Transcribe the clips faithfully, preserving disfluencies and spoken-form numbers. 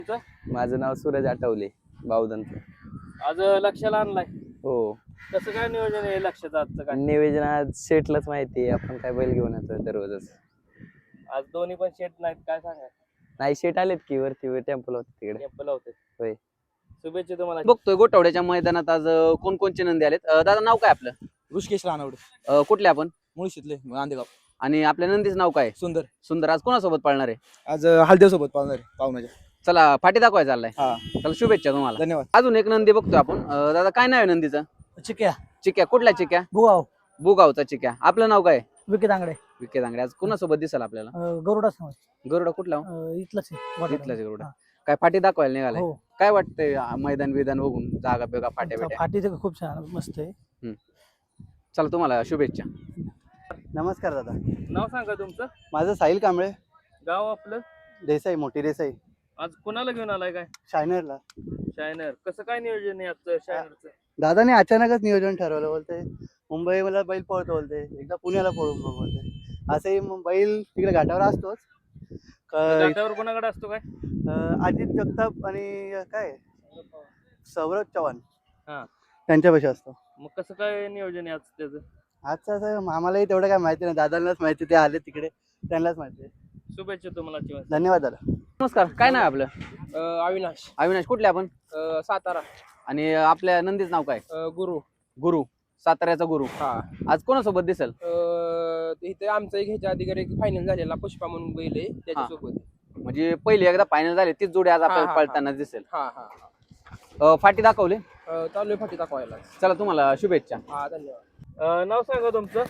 माझं नाव सूरज आठवले, बावधनचं. आज लक्षाला आणलाय. हो. कसं काय नियोजन आहे लक्षाचं आजचं काय? नियोजन आज शेटलाच माहिती आहे, आपण काय बैल घेऊन येतो दररोजच. आज दोन्ही पण शेट नाहीत, काय सांगा? नाही, शेट आलेत की वरती टेम्पल होते तिकडे. टेम्पल होते. होय. शुभेच्छा तुम्हाला. बघतोय गोठवड्याच्या मैदानात आज अं, कोणकोणचे नंदी आलेत. अं, दादा नाव काय आपलं? ऋषिकेश रानवडे, अं, कुठले आपण? मुळशीतले नांदेगाव. आणि आपल्या नंदीचं नाव काय? सुंदर. सुंदर. आज कोणासोबत पाळणार आहे? आज हळदेव सोबत पाहुणार पाहुण्याच्या. चला फाटी दाखवाय चाललाय. हा, चला शुभेच्छा तुम्हाला. धन्यवाद. अजून एक नंदी बघतोय आपण. अं, दादा काय नाव आहे नंदीचं? चिक्या चिक्या. कुठल्या चिक्या? भुगाव बुगावचा चिक्या. आपलं नाव काय? विके तांगडे विके दांगडे. आज कोणासोबत दिसाल आपल्याला? गरुडा समज गरुडा कुठला? इथलंच आहे इथलाच गरुडा. काय फाटी दाखवायला निघालाय? हो काय वाटतंय आ, मैदान विधान बघून जागा बेगा फाट्या बिट्या? फाटी तर खूप छान मस्त आहे. चला तुम्हाला शुभेच्छा. नमस्कार दादा, नाव सांगा तुमचं. माझं साहिल कांबळे, गाव आपलं. देसाई, मोठी देसाई, आज कुणाला घेऊन आलाय काय? शायनरला. शायनर. कसं काय नियोजन आहे आजचं शायनरचं? दादाने अचानकच नियोजन ठरवलं. बोलते मुंबई मला बैल पळतो, बोलते एकदा पुण्याला पळून बघ बोलते. असंही मग बैल तिकडे घाटावर असतोच. क- घाटावर कोणाकडे असतो काय? अं, अजित जगताप आणि काय सौरभ चव्हाण हा. त्यांच्यापाशी असतो. मग कसं काय नियोजन आहे आज त्याचं? आजचं असं आम्हालाही तेवढं काय माहिती नाही, दादांनाच माहिती, ते आले तिकडे त्यांनाच माहिती आहे. शुभेच्छा तुम्हाला चिवण. धन्यवाद दादा. नमस्कार. काय नाव आहे आपलं? अविनाश. अविनाश. कुठले आपण? सातारा. आणि आपल्या नंदीचं नाव काय? गुरु. गुरु. साताऱ्याचा गुरु. हा. आज कोणासोबत दिसेल? इथे आमचं एक ह्याच्या आधी एक फायनल झालेला पुष्पा म्हणून बैल आहे त्याच्यासोबत. म्हणजे पहिली एकदा फायनल झाली तीच जोडी आज हा, आपल्याला हा, पळताना दिसेल. हा हा अं, फाटी दाखवली. चालू आहे फाटी दाखवायला. चला तुम्हाला शुभेच्छा. हा, धन्यवाद. नाव सांगा तुमचं.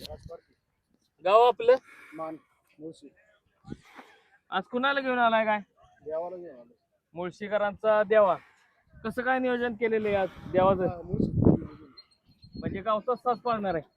गाव आपलं. मान मुळशी. आज कुणाला घेऊन आलाय काय? देवाला घेऊन आलो. मुळशीकरांचा देवा. कसं काय नियोजन केलेलं आहे आज देवाचं? म्हणजे गावचाच तास पाळणार आहे.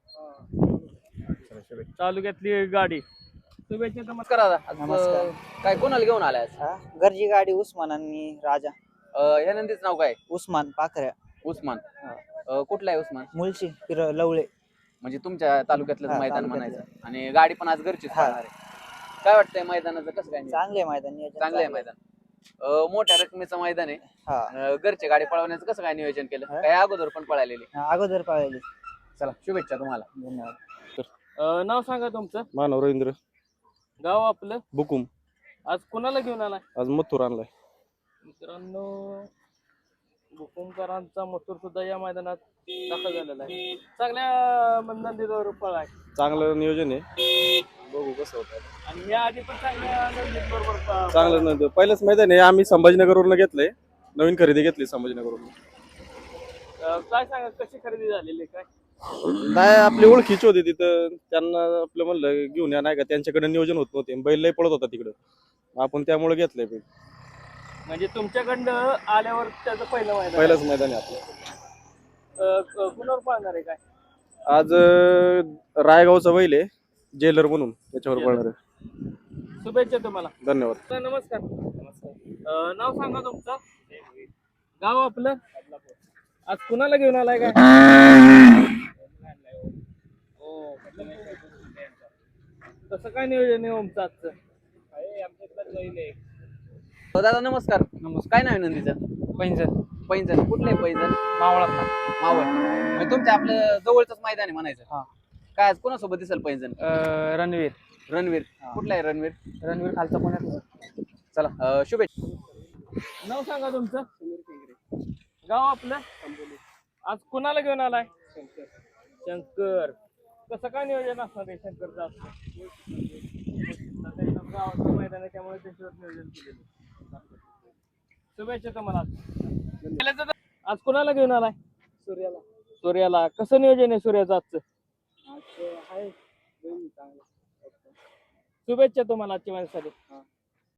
तालुक्यातली गाडी. शुभेच्छा तुम्हाला. नमस्कार दादा. आज, नमस्कार. अं, काय कोणाला घेऊन आलाय आज? घरची गाडी उस्मान आणि राजा. अं, या नंदीचं नाव काय? उस्मान पाखऱ्या, उस्मान. अं, कुठला आहे उस्मान? मुळशी पिर लवळे. म्हणजे तुमच्या तालुक्यातलं हा, मैदान तालुक्यातलं. म्हणायचं. आणि गाडी पण आज घरचीच हा. पळणार आहे. काय वाटतंय मैदानाचं कसं काय? चांगले मैदान नियोजन चांगलं आहे मैदान. अं, मोठ्या रकमेचं मैदान आहे. हा, अं, घरची गाडी पळवण्याचं कसं काय नियोजन केलं? हा. काय अगोदर पण पळालेली? अगोदर पाहिजे. चला शुभेच्छा तुम्हाला. धन्यवाद. नाव सांगा तुमचं. मानव रवींद्र गाव आपलं. बुकुम. आज कुणाला घेऊन आलाय? आज मथुर आणलाय. मित्रांनो, भुकुमकरांचा मथुर सुद्धा या मैदानात दाखल झालेला आहे. चांगल्या नंदीवर पळा आहे. चांगलं नियोजन आहे, बघू कसं होतं. आणि या आधी पण चांगल्या नंदीबरोबर प- चांगलं नव्हतं. पहिलंच मैदान आहे, आम्ही संभाजीनगरवरून घेतलंय. नवीन खरेदी घेतली संभाजीनगरवरून. अं, काय सांगा कशी खरेदी झालेली आहे काय? नाही, आपली ओळखीची होती तिथं, त्यांना आपलं म्हणलं घेऊन या, नाही का त्यांच्याकडे नियोजन होत नव्हते, बैल लय पळत होता तिकडं, आपण त्यामुळे घेतलंय बैल. म्हणजे तुमच्याकडनं आल्यावर त्याचं पहिलं मैदान. पहिलंच मैदान आहे आपलं. अं, क- कुणावर पाळणार आहे काय? आज अं, रायगावचा बैल आहे, जेलर म्हणून, त्याच्यावर पळणार आहे. शुभेच्छा तुम्हाला. धन्यवाद. तर नमस्कार. नमस्कार. नाव सांगा तुमचं. गाव आपलं. आज कुणाला घेऊन आलाय काय? हो. कसं काय नियोजन आहे ओमचं आजचं? अं, दादा नमस्कार. नमस्कार. काय नाव आहे नंदीचं? पैंजण. पैंजण. कुठलं आहे पैंजण? मावळा. मावळ. म्हणजे तुमच्या आपलं जवळच मैदान आहे म्हणायचं. हा. काय आज कोणासोबत दिसेल पैंजण? रणवीर. रणवीर. कुठला आहे रणवीर? रणवीर खालचा पुण्यात. चला अं, शुभेच्छा. नाव सांगा तुमचं. गाव आपलं. आज कुणाला घेऊन आलाय? शंकर. कसं काय नियोजन असणार आहे शंकरचं आजचं? सध्या गावाचं मैदान आहे त्यामुळे त्याच्यावर नियोजन केलेलं. शुभेच्छा तुम्हाला. आज कुणाला घेऊन आलाय? सूर्याला. सूर्याला. कसं नियोजन आहे सूर्याचं आजचं? आहे शुभेच्छा तुम्हाला आजच्या माझ्यासाठी.